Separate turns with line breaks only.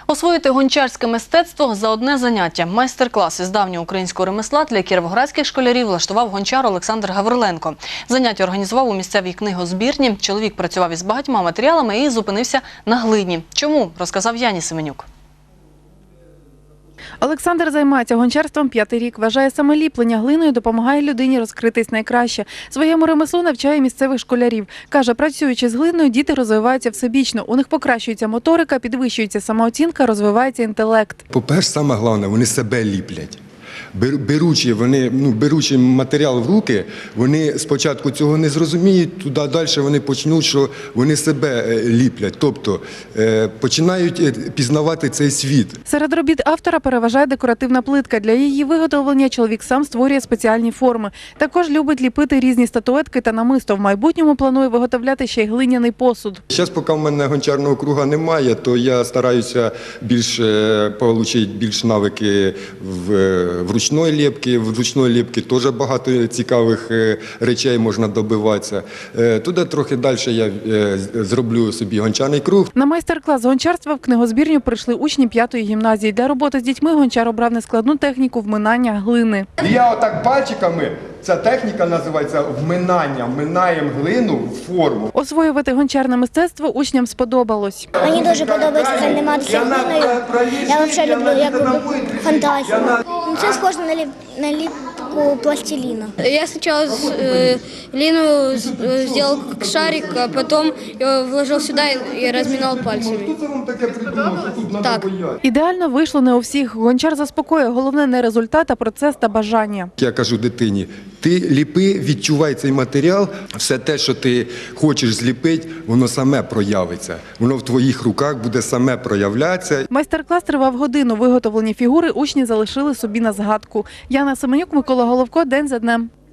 Освоїти гончарське мистецтво за одне заняття. Майстер-клас із давнього українського ремесла для кіровоградських школярів влаштував гончар Олександр Гавриленко. Заняття організував у місцевій книгозбірні. Чоловік працював із багатьма матеріалами і зупинився на глині. Чому? Розказав Яні Семенюк.
Олександр займається гончарством 5-й рік. Вважає, саме ліплення глиною допомагає людині розкритись найкраще. Своєму ремеслу навчає місцевих школярів. Каже, працюючи з глиною, діти розвиваються всебічно. У них покращується моторика, підвищується самооцінка, розвивається інтелект.
По-перше, саме головне, вони себе ліплять. Беручи матеріал в руки, вони спочатку цього не зрозуміють, туди далі вони почнуть, що вони себе ліплять, тобто починають пізнавати цей світ.
Серед робіт автора переважає декоративна плитка. Для її виготовлення чоловік сам створює спеціальні форми. Також любить ліпити різні статуетки та намисто. В майбутньому планує виготовляти ще й глиняний посуд.
Зараз, поки в мене гончарного круга немає, то я стараюся отримати більш навики в ручної ліпки. В ручної ліпки теж багато цікавих речей можна добиватися. Туди трохи далі я зроблю собі гончарний круг.
На майстер-клас з гончарства в книгозбірню прийшли учні 5-ї гімназії. Для роботи з дітьми гончар обрав нескладну техніку вминання глини.
Я отак пальчиками, ця техніка називається вминання. Вминаємо глину в форму.
Освоювати гончарне мистецтво учням сподобалось.
Мені дуже подобається займатися глиною. Я взагалі люблю фантазію. Це схоже на ліпку пластиліна.
Я сначала глину сделал как шарик, а потом его вложил сюда и разминал пальцами.
Хто це вам таке придумав, що тут треба боятися?
Ідеально вийшло не у всіх. Гончар заспокоює. Головне не результат, а процес та бажання.
Я кажу дитині, ти ліпи, відчувай цей матеріал, все те, що ти хочеш зліпити, воно саме проявиться. Воно в твоїх руках буде саме проявлятися.
Майстер-клас тривав годину. Виготовлені фігури учні залишили собі на згадку. Яна Семенюк, Микола Головко. День за днем.